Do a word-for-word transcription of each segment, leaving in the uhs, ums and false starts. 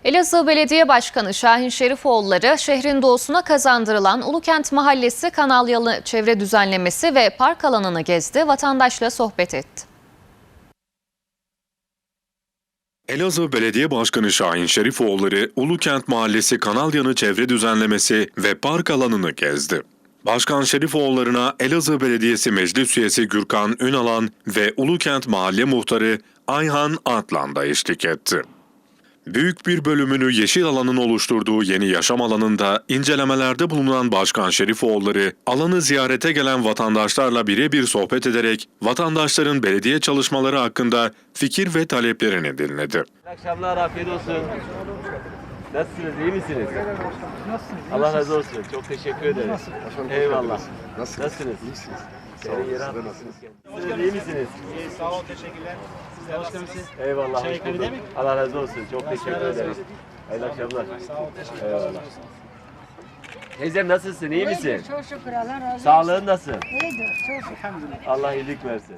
Elazığ Belediye Başkanı Şahin Şerifoğulları, şehrin doğusuna kazandırılan Ulukent Mahallesi kanal yolu çevre düzenlemesi ve park alanını gezdi, vatandaşla sohbet etti. Elazığ Belediye Başkanı Şahin Şerifoğulları, Ulukent Mahallesi kanal yanı çevre düzenlemesi ve park alanını gezdi. Başkan Şerifoğulları'na Elazığ Belediyesi Meclis Üyesi Gürkan Ünalan ve Ulukent Mahalle Muhtarı Ayhan Atlan da eşlik etti. Büyük bir bölümünü yeşil alanın oluşturduğu yeni yaşam alanında incelemelerde bulunan Başkan Şerifoğulları, alanı ziyarete gelen vatandaşlarla birebir sohbet ederek vatandaşların belediye çalışmaları hakkında fikir ve taleplerini dinledi. İyi akşamlar, afiyet olsun. Nasılsınız, iyi misiniz? Nasılsınız? Allah razı olsun, çok teşekkür ederiz. Eyvallah. Nasılsınız? Nasılsınız? İyisiniz. Sağ olun, yere atmışsınız kendinizi. İyi misiniz? İyi, sağ olun, teşekkürler. Sizler nasılsınız? Eyvallah, Çay hoş ikram bulduk. edeyim mi? Allah razı olsun, çok teşekkür razı olsun. ederiz. Hayırlı akşamlar. Sağ olun, teşekkürler. Eyvallah. Teyzem nasılsın, iyi misin? İyidir, çok şükür Allah razı olsun. Sağlığın nasıl? İyidir, çok şükür. Allah iyilik versin.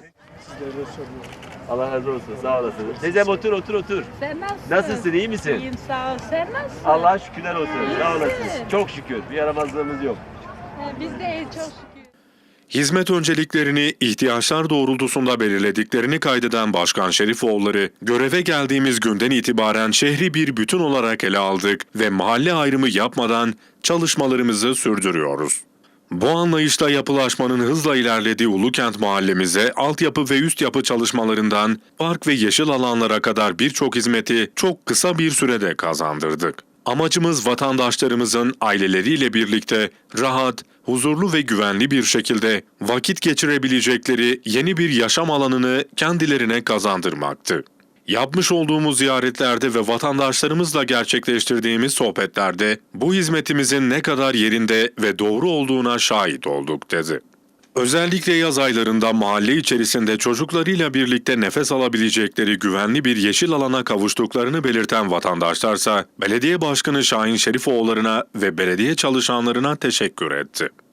Allah razı olsun, sağ olasın. Teyzem otur, otur, otur. Sen nasılsın? Nasılsın, iyi misin? İyiyim, sağ ol. Sen nasılsın? Allah'a şükürler olsun, sağ İyisin. olasın. Çok şükür, bir yaramazlığımız yok. He, biz de iyiyiz, çok şükür. Hizmet önceliklerini ihtiyaçlar doğrultusunda belirlediklerini kaydeden Başkan Şerifoğulları, göreve geldiğimiz günden itibaren şehri bir bütün olarak ele aldık ve mahalle ayrımı yapmadan çalışmalarımızı sürdürüyoruz. Bu anlayışla yapılaşmanın hızla ilerlediği Ulukent mahallemize altyapı ve üst yapı çalışmalarından park ve yeşil alanlara kadar birçok hizmeti çok kısa bir sürede kazandırdık. Amacımız vatandaşlarımızın aileleriyle birlikte rahat, huzurlu ve güvenli bir şekilde vakit geçirebilecekleri yeni bir yaşam alanını kendilerine kazandırmaktı. Yapmış olduğumuz ziyaretlerde ve vatandaşlarımızla gerçekleştirdiğimiz sohbetlerde bu hizmetimizin ne kadar yerinde ve doğru olduğuna şahit olduk dedi. Özellikle yaz aylarında mahalle içerisinde çocuklarıyla birlikte nefes alabilecekleri güvenli bir yeşil alana kavuştuklarını belirten vatandaşlarsa belediye başkanı Şahin Şerifoğulları'na ve belediye çalışanlarına teşekkür etti.